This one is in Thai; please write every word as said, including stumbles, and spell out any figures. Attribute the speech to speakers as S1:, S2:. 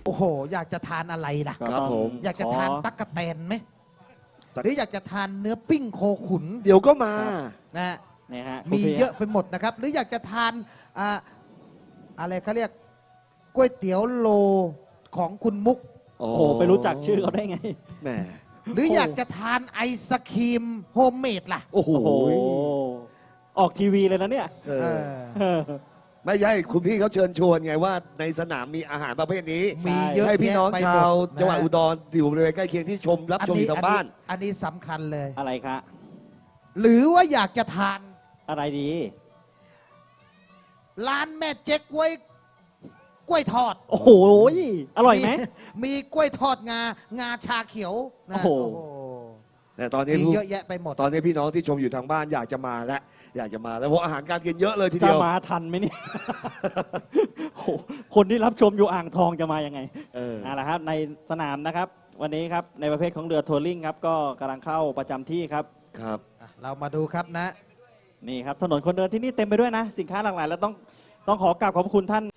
S1: โอ้โหอยากจะทานอะไรล่ะ
S2: ครับผม
S1: อยากจะทานตั๊กแตนไหมหรืออยากจะทานเนื้อปิ้งโคขุน
S2: เดี๋ยวก็มา
S1: นะฮะ
S3: นี่ฮะ
S1: มีเยอะไปหมดนะครับ หรืออยากจะทานอ่าอะไรเขาเรียกก๋วยเตี๋ยวโลของคุณมุก
S2: โอ้
S3: โอ้โหไปรู้จักชื่อเขาได้ไง
S2: แหม
S1: หรืออยากจะทานไอศครีมโฮมเมดล่ะ
S2: โอ้โห
S3: โอ้โหออกทีวีเลยนะเนี่ย
S2: เอ
S1: เอ
S2: อ
S1: อ
S3: เออ
S2: ไม่ใช่คุณพี่เขาเชิญชวนไงว่าในสนามมีอาหารประเภทนี้
S1: มีเยอะ
S2: ให้พี่น้อง
S1: แยะไป
S2: ชาว
S1: หมดนะ
S2: จังหวัดอุดรอยู่บริเวณใกล้เคียงที่ชมรับชมอยู่ทางบ้าน
S1: อันนี้สำคัญเลย
S3: อะไรคะ
S1: หรือว่าอยากจะทาน
S3: อะไรดี
S1: ร้านแม่เจ๊กกล้วยกล้วยทอด
S3: โอ้โหอร่อยไหม
S1: มีกล้วยทอดงางาชาเขียวนะ
S3: โอ้โห
S2: แต่ตอนนี้
S1: มี
S2: ผู้
S1: เยอะแยะไปหมด
S2: ตอนนี้พี่น้องที่ชมอยู่ทางบ้านอยากจะมาแล้วอยากจะมาแล้วเพราะอาหารการกินเยอะเลยที
S3: จะ
S2: เดียว
S3: มาทันไหมเนี่ย โอ้โหคนที่รับชมอยู่อ่างทองจะมายังไง
S2: เออ
S3: เอาละครับในสนามนะครับ วันนี้ครับในประเภทของเรือทัวริงครับก็กำลังเข้าประจำที่ครับ
S2: ครับ
S1: อ่ะเรามาดูครับนะ
S3: นี่ครับถนนคนเดินที่นี่เต็มไปด้วยนะ สินค้าหลากหลายแล้วต้องต้องขอกราบขอบพระคุณท่าน